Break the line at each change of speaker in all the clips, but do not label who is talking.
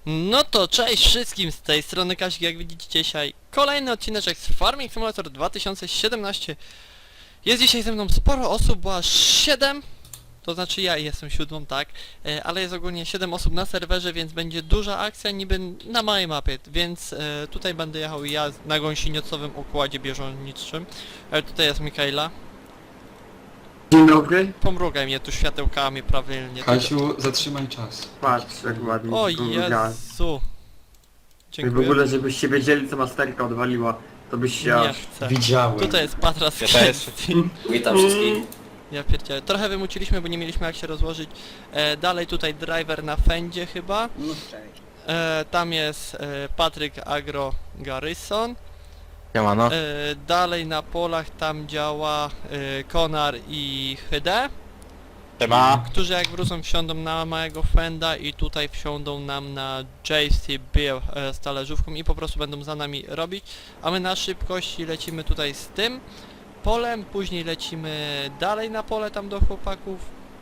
No to cześć wszystkim, z tej strony Kazik, jak widzicie dzisiaj kolejny odcineczek z Farming Simulator 2017. Jest dzisiaj ze mną sporo osób, bo aż 7, to znaczy ja jestem siódmą, tak, ale jest ogólnie 7 osób na serwerze, więc będzie duża akcja niby na małej mapie, więc tutaj będę jechał ja na gąsieniocowym układzie bieżączniczym. Tutaj jest Mikaela.
Dzień dobry.
Pomrugaj mnie tu światełkami prawilnie.
Kasiu, zatrzymaj czas.
Patrz, jak ładnie.
O
pomrugałem.
Jezu.
I w
Dziękuję.
ogóle, żebyście wiedzieli, co masterka odwaliła, to byś się
Nie
aż...
chcę.
Widziałem.
Tutaj jest Patras
Ja też. Witam wszystkich.
Ja pierdzielę. Trochę wymuciliśmy, bo nie mieliśmy jak się rozłożyć. Dalej tutaj driver na fendzie chyba.
No cześć.
Tam jest Patryk Agro Garrison.
Siemano.
Dalej na polach tam działa Konar i Hyde,
Siema.
którzy jak wrócą wsiądą na małego fenda i tutaj wsiądą nam na JCB z talerzówką i po prostu będą za nami robić. A my na szybkości lecimy tutaj z tym polem, później lecimy dalej na pole tam do chłopaków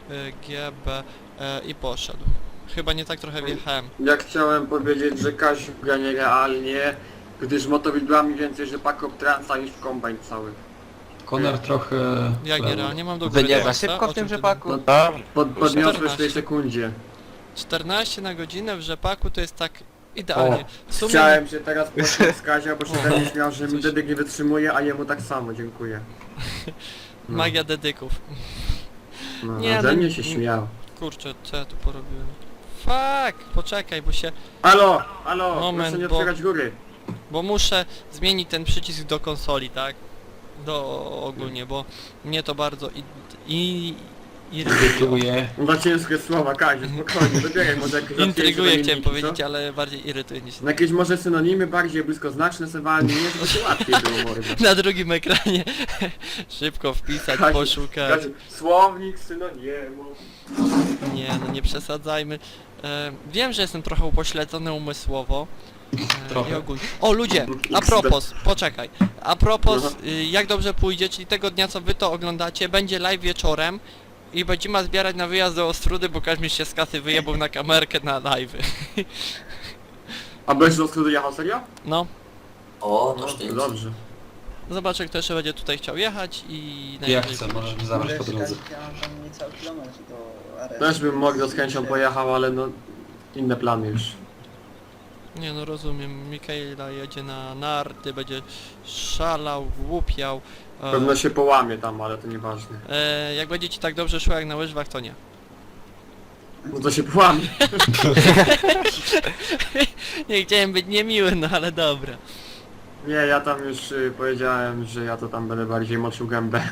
GB i poszedł. Chyba nie tak trochę wjechałem.
Ja chciałem powiedzieć, że Kasiu gra nierealnie, gdyż motowidłami więcej rzepaków transa niż w kombajn cały.
Konar trochę...
Jak nie
chleba.
realnie mam do góry
Wyniewa
transa.
szybko
O
w tym
czym ty
rzepaku?
No,
Dobrze.
Podniosłeś w
14.
tej sekundzie.
14 na godzinę w rzepaku to jest tak idealnie. W sumie
Chciałem się teraz poczuć z Kazia, bo się ten śmiał, że mi dedyk nie wytrzymuje, a jemu tak samo, dziękuję. No,
magia dedyków.
no,
Nie,
ze
no,
mnie się śmiał.
Kurczę, co ja tu porobiłem? Fuck! Poczekaj,
Halo, halo,
Moment,
proszę nie
bo-
otwierać góry.
bo muszę zmienić ten przycisk do konsoli, tak? Ogólnie, bo mnie to bardzo irytuje.
Irytuje.
Za ciężkie słowa, Kaziu, spokojnie, dobieraj może jakieś
Intryguje
łatwiejsze
chciałem
synonimy,
powiedzieć,
co?
ale bardziej irytuje niż...
Na jakieś może synonimy bardziej bliskoznaczne sobie walnie, nie, żeby się łatwiej było mordo.
Na drugim ekranie szybko wpisać,
Kaziu,
poszukać.
Kaziu, słownik synonimów.
Nie, no nie przesadzajmy. Wiem, że jestem trochę upośledzony umysłowo.
Trochę.
I ogólnie. O ludzie, a propos, poczekaj. A propos, jak dobrze pójdzie, czyli tego dnia co wy to oglądacie, będzie live wieczorem i będziemy zbierać na wyjazd do Ostrudy, bo Kaźmierz się z kasy wyjebał na kamerkę na live.
A będziesz do studia jechał, serio?
No,
O,
No,
to
to
sztyc.
dobrze.
zobaczę kto jeszcze będzie tutaj chciał jechać i...
Jak
najwyżej
chcę,
pójdzie.
możesz mnie zabrać po drodze.
Ja mam tam niecały kilometr do aresztu.
Też bym mogł z chęcią pojechał, ale no... Inne plany już.
Nie no rozumiem, Mikaela jedzie na narty, będzie szalał, głupiał.
Pewno się połamie tam, ale to nieważne.
Jak będzie ci tak dobrze szło jak na łyżwach, to nie.
No to się połamie.
Nie chciałem być niemiły, no ale dobra.
Nie, ja tam już powiedziałem, że ja to tam będę bardziej moczył gębę.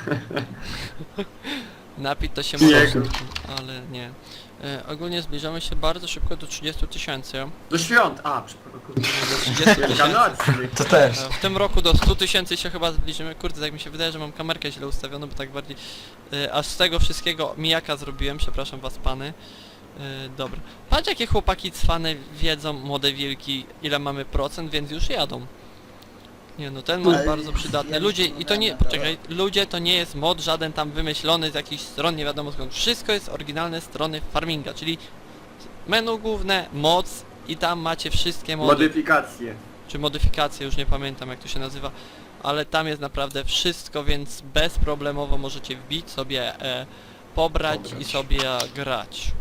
Napić to się
Nie.
może, ale nie. Ogólnie zbliżamy się bardzo szybko do 30 000.
Do świąt! A, przepraszam.
Do 30 000.
Wielkanoc!
To też.
W tym roku do 100 000 się chyba zbliżymy. Kurde, tak mi się wydaje, że mam kamerkę źle ustawioną, bo tak bardziej... aż z tego wszystkiego mijaka zrobiłem, przepraszam was pany. Dobra. Patrz jakie chłopaki cwane wiedzą, młode wilki, ile mamy procent, więc już jadą. Nie no, ten mod
Ale
bardzo przydatny.
ja
Ludzie,
nie
i to nie,
wiem,
poczekaj, ludzie to nie jest mod żaden tam wymyślony z jakichś stron, nie wiadomo skąd. Wszystko jest oryginalne strony farminga, czyli menu główne, moc i tam macie wszystkie mody,
Modyfikacje.
czy modyfikacje, już nie pamiętam jak to się nazywa, ale tam jest naprawdę wszystko, więc bezproblemowo możecie wbić sobie, pobrać i sobie grać.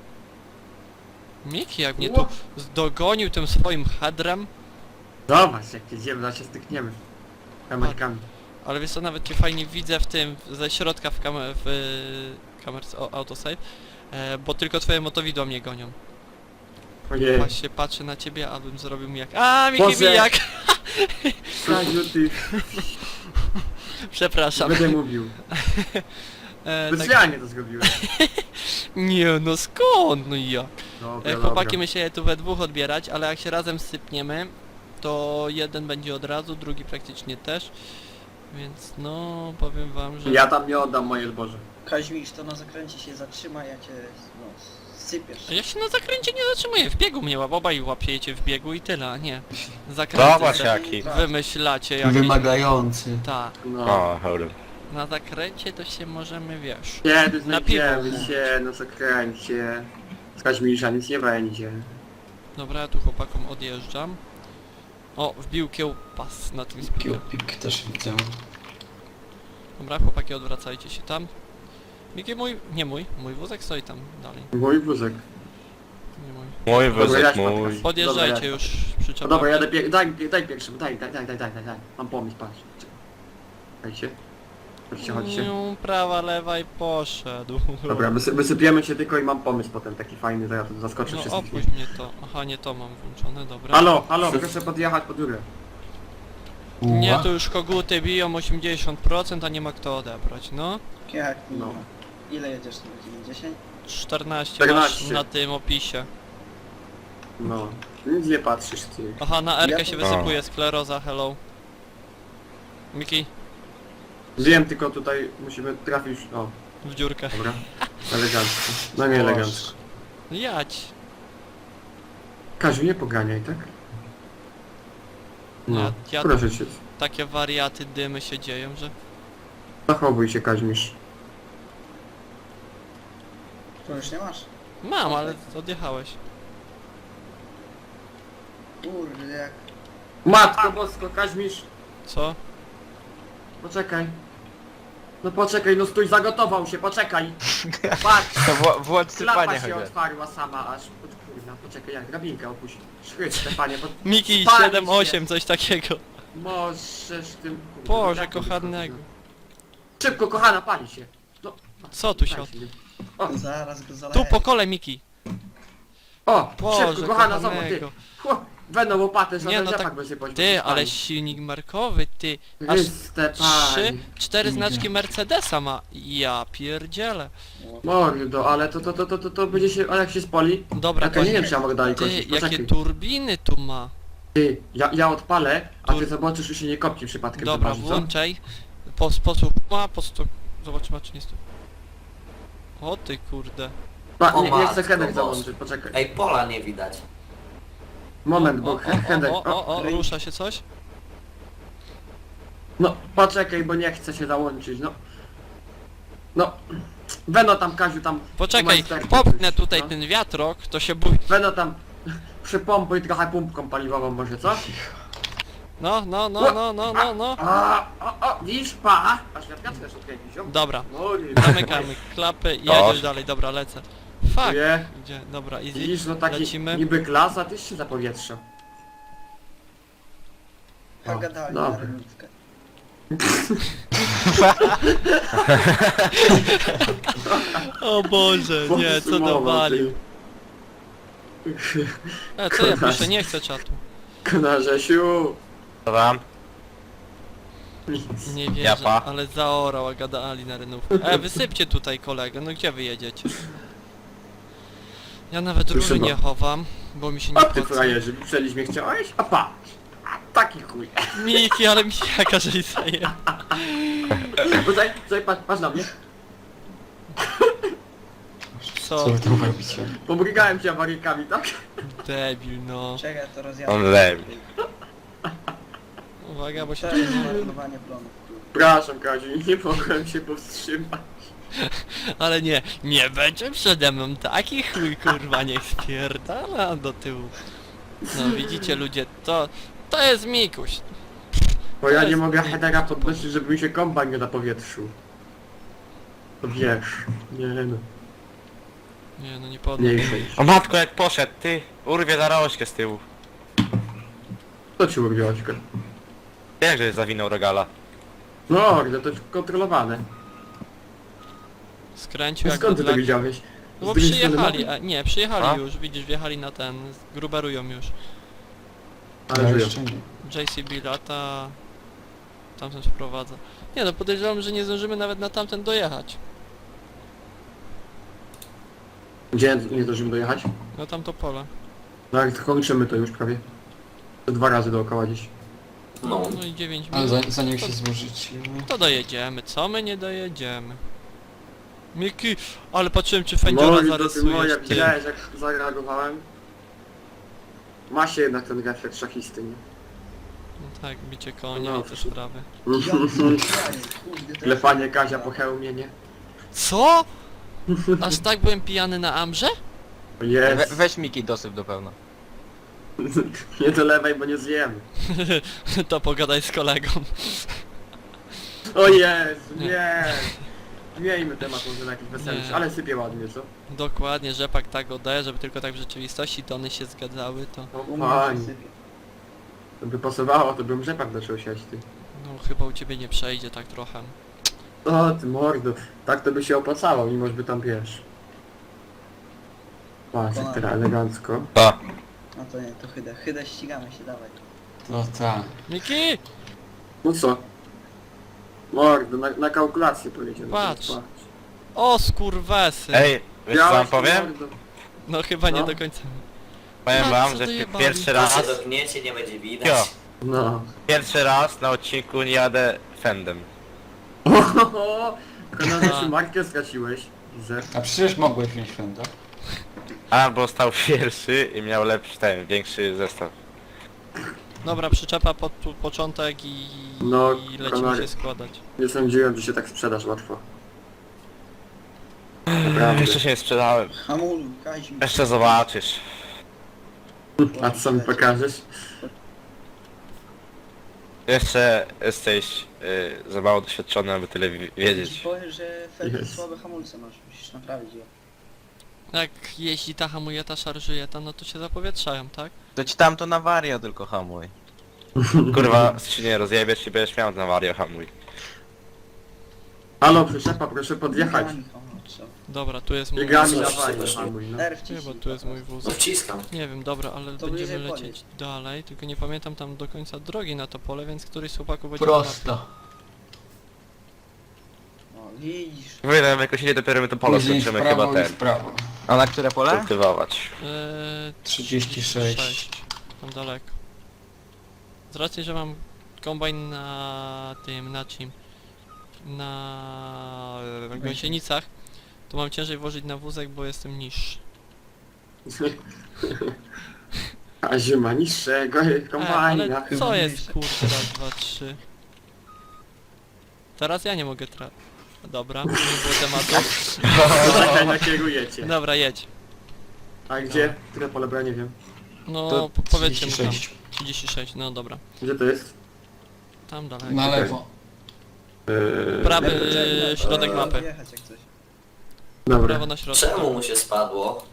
Miki jak mnie tu dogonił tym swoim hadrem.
Zobacz, jak jedziemy, zaraz się stykniemy. Kamerkami.
Ale wiesz co, nawet cię fajnie widzę w tym, ze środka w kamerce autosave, bo tylko twoje motowidła mnie gonią.
Ojej.
Właśnie patrzę na ciebie, abym zrobił mi jak... A, Miki
Boże.
mijak!
Kaziu, ty
Przepraszam.
będę mówił.
Tak,
Specjalnie to zrobiłem.
nie no skąd, no i jak?
Dobra,
Chłopaki
dobra.
my się tu we dwóch odbierać, ale jak się razem sypniemy, to jeden będzie od razu, drugi praktycznie też. Więc no, powiem wam, że...
Ja tam nie oddam moje zboże.
Kaźmisz, to na zakręcie się zatrzyma, ja cię no, sypiesz.
Ja się na zakręcie nie zatrzymuję, w biegu mnie obaj łapiecie w biegu i tyle, a nie. Zakręty
Zobacz
se
jaki.
wymyślacie jakieś...
Wymagający.
Tak,
No.
O, dobra.
na zakręcie to się możemy, wiesz...
Kiedy
Na piwo.
znajdziemy się na zakręcie. Z Kaźmisza nic nie będzie.
Dobra, ja tu chłopakom odjeżdżam. O, wbił kiełpas na tym speedzie.
Kiełpik też widzę.
Dobra, chłopaki, odwracajcie się tam. Miki, mój wózek stoi tam dalej.
Mój wózek.
Nie mój.
Mój
Dobra,
wózek,
jadź,
mój.
Patryk.
Podjeżdżajcie
Dobra,
już,
No
przyczepiam.
dobra, jadę daj pierwszym, daj. Mam pomysł, patrz. Dajcie. Chodźcie.
Prawa, lewa i poszedł.
Dobra, wysypiemy cię tylko i mam pomysł potem taki fajny, zaraz to zaskoczę
No
wszystkich.
opuść mnie to. Aha, nie to mam włączone, dobra.
Halo, proszę podjechać pod górę.
Nie, tu już koguty biją 80%, a nie ma kto odebrać, no.
Jak
No.
no. Ile jedziesz na godzinę? 10?
14 masz
14.
na tym opisie.
No. Nic nie patrzysz, ty.
Aha, na R-kę
Ja
się
to-
wysypuje skleroza, hello. Miki,
Wiem, tylko tutaj musimy trafić... O,
w dziurkę.
dobra. Elegancko. No nie elegancko.
Jadź.
Kaziu, nie poganiaj, tak? No,
Ja
proszę cię.
takie wariaty, dymy się dzieją, że...
Zachowuj się, Kaźmisz.
To już nie masz?
Mam, ale odjechałeś.
Kurde, jak...
Matko bosko, Kaźmisz!
Co?
Poczekaj. No poczekaj, no stój, zagotował się, poczekaj! Patrz!
To włącz
Klapa
sypanie
się
chociaż.
otwarła sama aż... Kurwa, poczekaj, jak drabinkę opuść. Szchryć, Stefanie, bo...
Miki
Spalić
7-8, coś takiego.
Możesz tym... Kurde,
Boże,
tak to
kochanego.
Szybko, kochana, pali się. No,
Co tu się
pali
od...
O,
Zaraz go zaleję.
Tu po kole, Miki.
o
Boże,
szybko, kochana, zobacz, ty.
kochanego.
Będą łopaty,
Nie,
żaden
no
rzepak
tak-
będzie poćmić.
Ty, ale silnik markowy, ty. Aż
Chryste,
3,
pani.
4 znaczki Mercedesa ma. Ja pierdzielę.
Mordo, ale to będzie się... Ale jak się spali...
Dobra,
Ja to nie wiem, czy ja mogę dalej
ty,
kończyć,
jakie
poczekaj.
turbiny tu ma.
Ty, ja odpalę, a ty
Tur-
zobaczysz, że się nie kopci przypadkiem.
Dobra,
zobaczysz, co?
włączaj. Po sposób ma, po stu... Zobaczymy, czy nie stu... O ty kurde.
Pa,
O
nie chcę
matko
Hedek
boska.
załączyć, poczekaj.
Ej, pola nie widać.
Moment,
O,
bo
o,
Hedek...
o, rusza się coś?
No, poczekaj, bo nie chcę się załączyć, no. No. Weno tam, Kaziu, tam...
Poczekaj,
majsterki
popchnę
coś,
tutaj
no.
ten wiatrok, to się bój...
Weno tam... Przypompuj trochę pumpką paliwową może, co?
No,
O, widzisz, pa! Aż wiatr też odkręcić, o.
Dobra,
No, nie.
zamykamy klapy i
Dobrze.
jedziesz dalej, dobra, lecę. Fuck,
Nie.
gdzie? Dobra, easy,
Widzisz, no taki
lecimy.
niby klasa, tyś się zapowietrza.
Pogadali
dobra.
na rynówkę.
O Boże, nie, co dowalił. Co ja piszę, nie chcę czatu.
Konarzesiu.
Co tam?
Nic.
Nie wierzę,
Japa.
ale zaorał, a gadali na rynówkę. Wysypcie tutaj kolegę, no gdzie wy jedziecie? Ja nawet
Słyszę
róży
go.
nie chowam, bo mi się nie
O ty
opłaca.
frajerzy, przelić mnie chciałeś? A patrz! A taki chuj.
Miki, ale mi jaka żeś zaje.
Tutaj, patrz na mnie.
Co?
Co wy tam robicie?
Pomrygałem cię awaryjkami, tak?
Debil, no.
Czekaj, to rozjadę.
On lewi.
Uwaga, bo się...
To jest zmarnowanie plonów.
Przepraszam, Kaziu, nie mogłem się powstrzymać.
Ale nie będzie przede mną taki chuj, kurwa, niech spierdala do tyłu. No widzicie ludzie, to jest Mikuś.
Bo ja nie
jest
mogę
pięknie.
headera podnosić, żeby mi się kombajn nie zapowietrzył. To wiesz, nie no,
Nie no, nie
nie
podnoś.
chcę.
O matko, jak poszedł, ty! Urwie za rożkę z tyłu.
To ci urwiłaś go.
Jak żeś zawinął regala?
No, ale to jest kontrolowane.
Skręcił jak
Skąd ty to
dla...
widziałeś?
No bo
Z drugiej strony
przyjechali,
mapy?
nie, przyjechali
A?
już, widzisz, wjechali na ten, gruberują już.
Ale
Ja
żyją.
jeszcze nie.
JCB lata, tamten wprowadza. Nie no, podejrzewam, że nie zdążymy nawet na tamten dojechać.
Gdzie nie zdążymy dojechać?
No tamto pole.
No jak kończymy to już prawie. To 2 razy dookoła gdzieś.
No.
No i 9
Ale
minut.
zanim się złożycie...
To dojedziemy, co my nie dojedziemy? Miki, ale patrzyłem czy Fędziora
Moja,
zarysujesz, ty.
widziałeś jak zareagowałem? Ma się jednak ten refleks szachisty, nie?
No tak, bicie konia
No,
i te sprawy.
Ja kurde, to
Klepanie Kazia po hełmie, nie?
Co? Aż tak byłem pijany na Amrze?
Jest.
Weź Miki dosyp do pełna.
Nie dolewaj, bo nie zjemy.
To pogadaj z kolegą.
O Jezu, nie! Miejmy temat może na jakiś weselszy,
Nie.
ale sypie ładnie, co?
Dokładnie, rzepak tak oddaje, żeby tylko tak w rzeczywistości tony się zgadzały, to...
No
U mnie
fajnie.
przysypie.
To by pasowało, to bym rzepak zaczął siać, ty.
No chyba u ciebie nie przejdzie tak trochę.
O ty mordo, tak to by się opłacało, mimo że by tam wiesz. Patrz, jak teraz elegancko.
To.
No to nie, to chydę. Chydę ścigamy się, dawaj.
No tak.
Miki!
No co? Mordo, na kalkulację powiedziałem.
Patrz. O skurwesy!
Ej, wiesz co wam powiem?
No chyba nie
No.
do końca.
Powiem
co
wam,
ty
że
jebali?
pierwszy
To
raz...
się dotkniecie, nie będzie widać.
Jo,
No.
pierwszy raz na odcinku nie jadę Fendem.
Ohoho! Tylko na
A.
naszą markę straciłeś. Widzę.
A przecież mogłeś wziąć Fenda.
Albo stał pierwszy i miał lepszy większy zestaw.
Dobra, przyczepa pod początek
No,
i lecimy
kanary.
się składać.
Nie sądziłem, że się tak sprzedasz łatwo. Naprawdę.
Jeszcze się nie sprzedałem.
Hamuluj, Kaziu.
Jeszcze zobaczysz.
A co mi pokażesz?
Jeszcze jesteś za mało doświadczony, aby tyle
Ci
wiedzieć.
powiem, że Feld
Jest.
słabe hamulce masz, musisz naprawić je.
Jak jeśli ta hamuje, ta szarżuje, ta no to się zapowietrzają, tak?
To ci tam to na wario tylko hamuj.
Kurwa, skrzynię rozjebiesz i będziesz miał na wario hamuj.
Halo, przyczepa, proszę podjechać.
Biegami, o, co?
Dobra, tu jest mój
Biegami
Co,
na
wszyscy
fajnie,
poszli?
hamuj, no.
R
Nie,
wciśnij.
bo tu jest mój wóz.
No wciskam.
Nie wiem, dobra, ale
To
będziemy
bliżej
lecieć
podjedź.
dalej, tylko nie pamiętam tam do końca drogi na to pole, więc któryś z chłopaków będzie na
Prosto.
O, widzisz.
Wyjdę jakoś nie dopiero my to pole
Później w
skończymy
prawo
chyba
i w
ten.
prawo.
A na które pole?
Kultywować.
36.
Tam daleko. Z racji, że mam kombajn na tym, na czym? Na gąsienicach, to mam ciężej włożyć na wózek, bo jestem niższy.
A zima niższego
Ale
kombajna.
co jest kurde, raz, dwa, trzy. Teraz ja nie mogę Dobra, nie było tematu.
Czekaj, nakierujecie.
Dobra, jedź.
A gdzie? Które pole, bo ja nie wiem.
No,
To
powiedzcie mu tam.
36.
36, no dobra.
Gdzie to jest?
Tam dalej.
Na lewo.
Prawy
Poczekaj,
środek
no,
mapy.
Jechać jak coś.
Dobra.
Prawo na środek.
Czemu mu się spadło?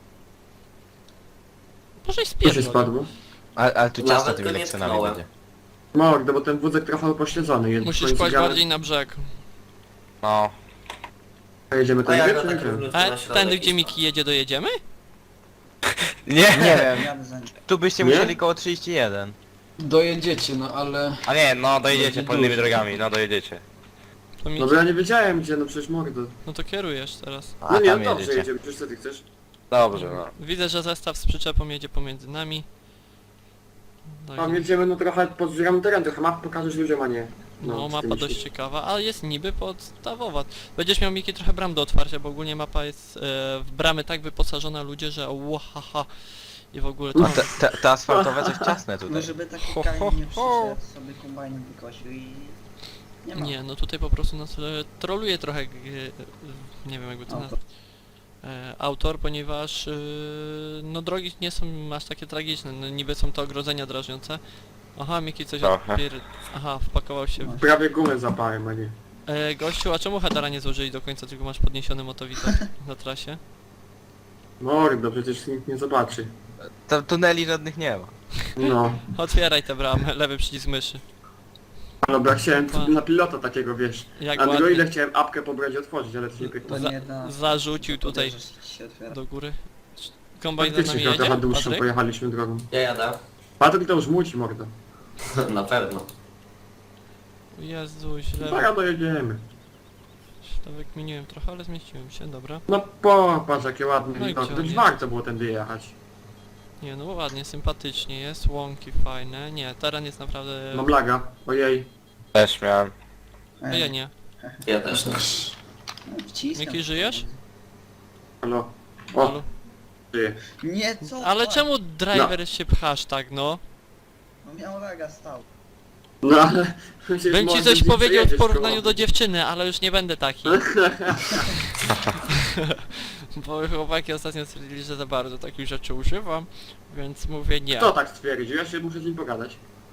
Może i
Co się
spierdol.
spadło?
Ale tu ciasno
Nawet
tymi
go nie
lekcjonami
tknąłem.
będzie.
Mordo, bo ten wózek trochę upośledzony jest.
Musisz
W końcu
kłaść
gramy-
bardziej na brzeg.
No.
Jedziemy
A ja
tam
go
gdzie,
tak
czy nie?
równiutko
A
na środek
tędy gdzie
i
Miki jedzie dojedziemy?
Nie
Nie!
wiem.
Jadę za nim.
Tu byście
Nie?
musieli koło 31.
Dojedziecie, no ale...
A nie, no dojedziecie
Będzie
polnymi
dużo.
drogami, no dojedziecie.
To Miki.
No bo ja nie wiedziałem gdzie, no przecież mordo.
No to kierujesz teraz.
A
No nie,
tam
no dobrze
jedziecie.
jedziemy, przecież co ty chcesz?
Dobrze, no.
Widzę, że zestaw z przyczepą jedzie pomiędzy nami. No,
Tam jedziemy no trochę podzbieramy teren, trochę map pokażesz ludziom, a nie.
no
z
mapa
tymi
dość
się-
ciekawa, ale jest niby podstawowa. Będziesz miał Miki trochę bram do otwarcia, bo ogólnie mapa jest w bramy tak wyposażona ludzie, że łahaha. I w ogóle to...
Te asfaltowe coś ciasne
No
tutaj.
żeby taki
Ho,
kamień
ho,
nie
ho.
przyszedł, sobie kombajnem wykosił i... Nie ma.
Nie, no tutaj po prostu nas troluje trochę, nie wiem jakby to
Autor.
nazwać, autor, ponieważ no drogi nie są aż takie tragiczne, no niby są to ogrodzenia drażniące. Aha, Miki coś
Trochę.
Aha, wpakował się w...
Prawie gumę zapałem, a nie.
Gościu, a czemu headera nie złożyli do końca, tylko masz podniesiony motowidok na trasie?
Mordo, przecież nikt nie zobaczy.
Tam tuneli żadnych nie ma.
No.
Otwieraj tę bramę, lewy przycisk myszy.
No bo ja chciałem
Pa.
na pilota takiego, wiesz.
Jak
Androida
ładnie
chciałem apkę pobrać i otworzyć, ale to nie pykło.
To nie da.
zarzucił tutaj
Uderzysz, ci się otwiera.
do góry. Kombajn za nami
Faktycznie trochę
jedzie?
dłuższą
Patryk?
pojechaliśmy drogą.
Ja jadę.
Patryk to już muci, mordo.
Na pewno.
Jezu, źle.
Zaraz dojedziemy.
Źle wykminiłem trochę, ale zmieściłem się, dobra.
No popatrz jakie ładne
No i
widoki,
gdzie
to
on
już
jest?
warto było tędy jechać.
Nie no ładnie, sympatycznie jest, łąki fajne. Nie, teren jest naprawdę...
Mam laga, ojej.
Też miałem.
A ja nie.
Ja też nie.
No, wciskam.
Miki, żyjesz?
Halo. O,
Halo?
żyje.
Nie, co?
Ale
to?
czemu driver się pchasz tak, no?
No miał laga, stał.
No ale... przecież
Bym ci
może
coś
gdzieś
powiedział w
przejedziesz
porównaniu
koło
do dziewczyny, ale już nie będę taki. Bo chłopaki ostatnio stwierdzili, że za bardzo takich rzeczy używam, więc mówię nie.
Kto tak stwierdził? Ja się muszę z nim pogadać.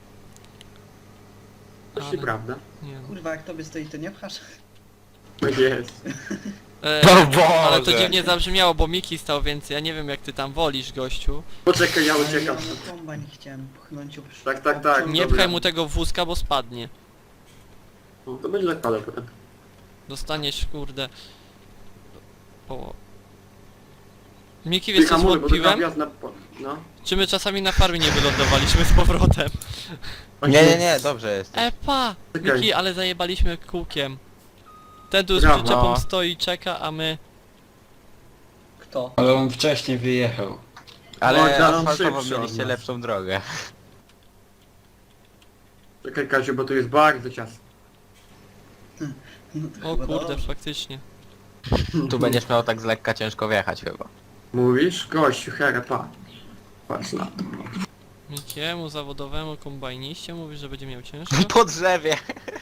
To
Ale-
nieprawda.
Nie no.
Kurwa, jak tobie stoi, to nie pchasz?
Tak jest.
O Boże!
Ale to dziwnie zabrzmiało, bo Miki stał, więc ja nie wiem jak ty tam wolisz, gościu.
Poczekaj, ja
Ale
uciekam.
ja na kombajn chciałem pchnąć
Tak, tak, tak.
Nie
Dobra.
pchaj mu tego wózka, bo spadnie.
No, to będzie lekko potem.
Dostaniesz, kurde... O. Miki, wiesz co
Hamuluj, bo to
zwątpiłem?
wjazd na... No.
Czy my czasami na farmie nie wylądowaliśmy z powrotem?
Nie, dobrze jest.
Epa!
Czekaj.
Miki, ale zajebaliśmy kółkiem. Ten tu z
Brawo.
przyczepą stoi i czeka, a my...
Kto?
Ale on wcześniej wyjechał.
Ale
No,
asfaltowo
szybszy od
mieliście
nas.
lepszą drogę.
Czekaj Kasiu, bo tu jest bardzo ciasno.
No to
O
chyba
kurde,
dobrze.
faktycznie.
Tu będziesz miał tak z lekka ciężko wjechać chyba.
Mówisz? Gościu, herepa. Patrz na to.
Mikiemu, zawodowemu kombajniście mówi, że będzie miał ciężko.
Po drzewie.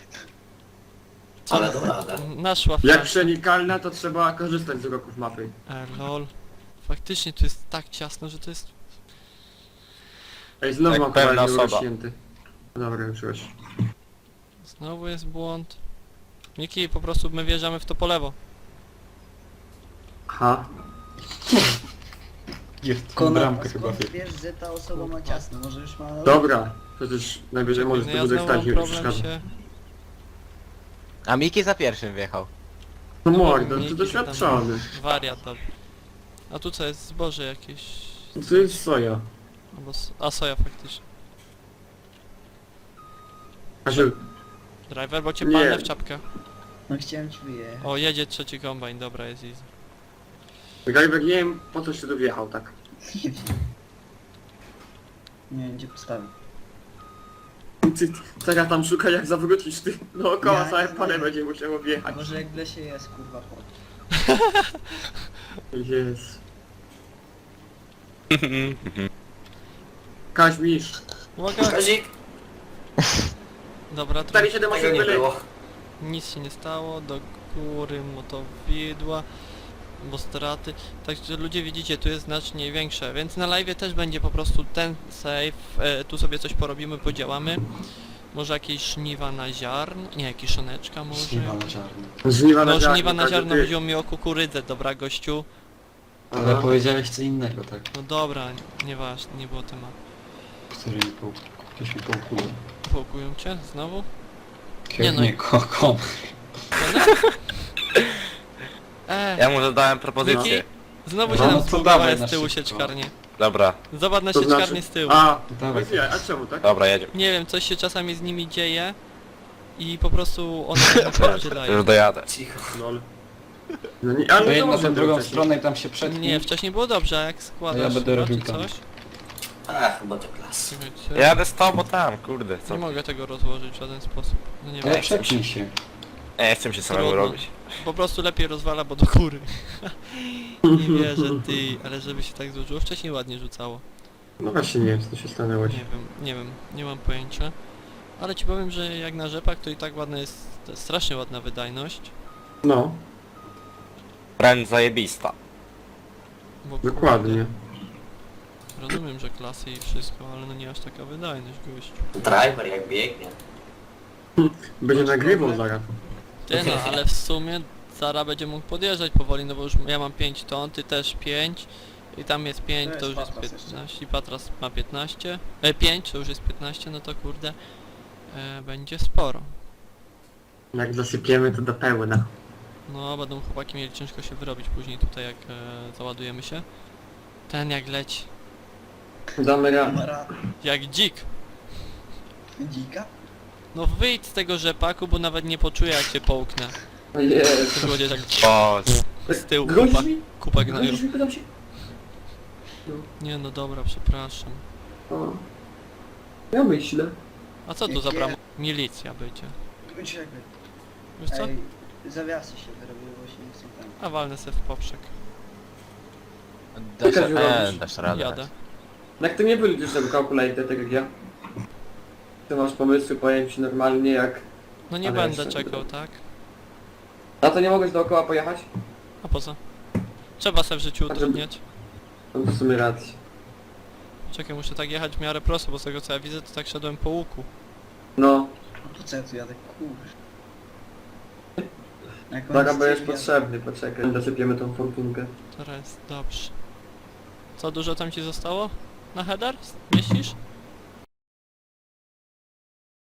Ale to radę.
Naszła
Jak
flash.
przenikalna, to trzeba korzystać z uroków mapy.
Lol. Faktycznie tu jest tak ciasno, że to jest...
Ej, znowu
Jak
mam
pewna
kawałek
osoba.
urośnięty. Dobra, już.
Znowu jest błąd. Miki, po prostu my wjeżdżamy w to po lewo.
Aha.
Jest w
Konrad,
bramkę
a
chyba.
skąd wiesz, że ta osoba ma ciasno? Może już ma...
Dobra. Przecież najwyżej możesz
No
to
ja
wózek
znowu mam
stać, nie
problem
przeszkadza.
się...
A Miki za pierwszym wjechał.
No mordo,
Miki
to
tam
doświadczony.
Wariat to. A tu co jest? Zboże jakieś...
To jest soja.
Albo a soja faktycznie.
Kasiu,
Driver, bo cię
Nie.
palnę w czapkę.
No chciałem ci wyjechać.
O, jedzie trzeci kombajn, dobra, jest easy.
Gajber, nie wiem po co się tu wjechał tak.
Nie wiem. Nie wiem, gdzie postawić.
Ty teraz tam szukaj jak zawrócisz ty dookoła
Ja
całe
nie
pole
znam.
będzie musiał
A
objechać.
może jak w lesie jest, kurwa, chodź.
Jest. Kaźmisz.
Uwaga!
Kazik,
Dobra,
Stary
trochę
7
tego
8
nie
byli.
było.
nic się nie stało, do góry motowidła, bo straty. Także ludzie widzicie, tu jest znacznie większe, więc na live też będzie po prostu ten save, tu sobie coś porobimy, podziałamy. Może jakieś żniwa na ziarn, nie, jakieś szoneczka może.
Śliwa na czarno.
Żniwa
No
ziarno,
żniwa na
Kaziu,
ziarno
ty.
chodziło mi o kukurydzę, dobra gościu.
Ale
Aha.
powiedziałeś co innego, tak?
No dobra, nieważne, nie było tematu.
Który mi pół... Ktoś mi połkuje.
Połkują cię znowu?
Nie
no.
no. Kom.
Ja mu zadałem propozycję.
Miki? Znowu
No,
się
no
nam
to
spługowała
dawaj
z
na
tyłu
szybko.
sieczkarnie.
Dobra,
Zobacz na
To
sieczkarnię
znaczy-
z tyłu.
A,
Dawaj.
a czemu tak?
dobra, jedziemy.
Nie wiem, coś się czasami z nimi dzieje i po prostu one się napierdzielają.
Już dojadę.
Cicho.
Lol. No nie, ale
To
to
jedno
może
tę drugą
wcześniej.
stronę i tam się przetnij.
Nie, wcześniej było dobrze, a jak składasz
Ja będę
chyba,
robił
czy
tam.
coś?
Chyba to klas.
Czekajcie,
Jadę z tobą tam, kurde, co?
nie mogę tego rozłożyć w żaden sposób. No nie
Ale
wiem.
przepnij się.
Nie chcę się samemu
Trudno.
robić.
Po prostu lepiej rozwala, bo do góry. Nie wierzę, ty, ale żeby się tak złożyło, wcześniej ładnie rzucało.
No właśnie nie wiem co się stanęło.
Nie wiem, nie mam pojęcia. Ale ci powiem, że jak na rzepak to i tak ładna jest, strasznie ładna wydajność.
No,
Wręcz zajebista.
Bo
dokładnie.
kurde, rozumiem, że klasy i wszystko, ale no nie aż taka wydajność, gościu.
Driver jak biegnie.
Będzie
Masz
nagrywał
problem?
zaraz.
Ty no, ale w sumie Zara będzie mógł podjeżdżać powoli, no bo już ja mam 5 ton, ty też 5 i tam jest 5,
To
to
jest
już jest
Patras
15 i Patras ma 15, 5 to już jest 15, no to kurde, będzie sporo.
Jak zasypiemy to do pełna.
No, będą chłopaki mieli ciężko się wyrobić później tutaj jak załadujemy się. Ten jak leci,
Damy radę.
Kamera
jak dzik.
dzika?
No wyjdź z tego rzepaku, bo nawet nie poczuję jak cię połknę.
O Jezu.
To będzie tak
O,
z tyłu
Grozisz mi?
kupa gnaju.
Grozisz mi, pytam się?
Nie no dobra, przepraszam.
O. Ja myślę.
A co tu za bram... Milicja będzie.
Czekaj.
Wiesz co?
Ej, zawiasy się wyrobiły, bo się nie chcą tam.
A walnę se w poprzek.
Dasz,
Kaziu, robisz?
dasz radę.
Jadę.
Jak to nie byli też tego calculator, tak jak ja? Ty masz pomysły, powiem ci normalnie jak...
No nie
Ale
będę
jeszcze-
czekał, tak?
Na to nie mogłeś dookoła pojechać?
A po co? Trzeba sobie w życiu
A żeby-
utrudniać.
No to w sumie racji.
Czekaj, muszę tak jechać w miarę prosto, bo z tego co ja widzę, to tak szedłem po łuku.
No,
Po co ja tu jadę? Kurz. Jak on
zaraz
jest
będziesz
ciebie-
potrzebny, poczekaj, dosypiemy tą fortunkę.
Teraz jest dobrze. Co, dużo tam ci zostało? Na header? Mieścisz?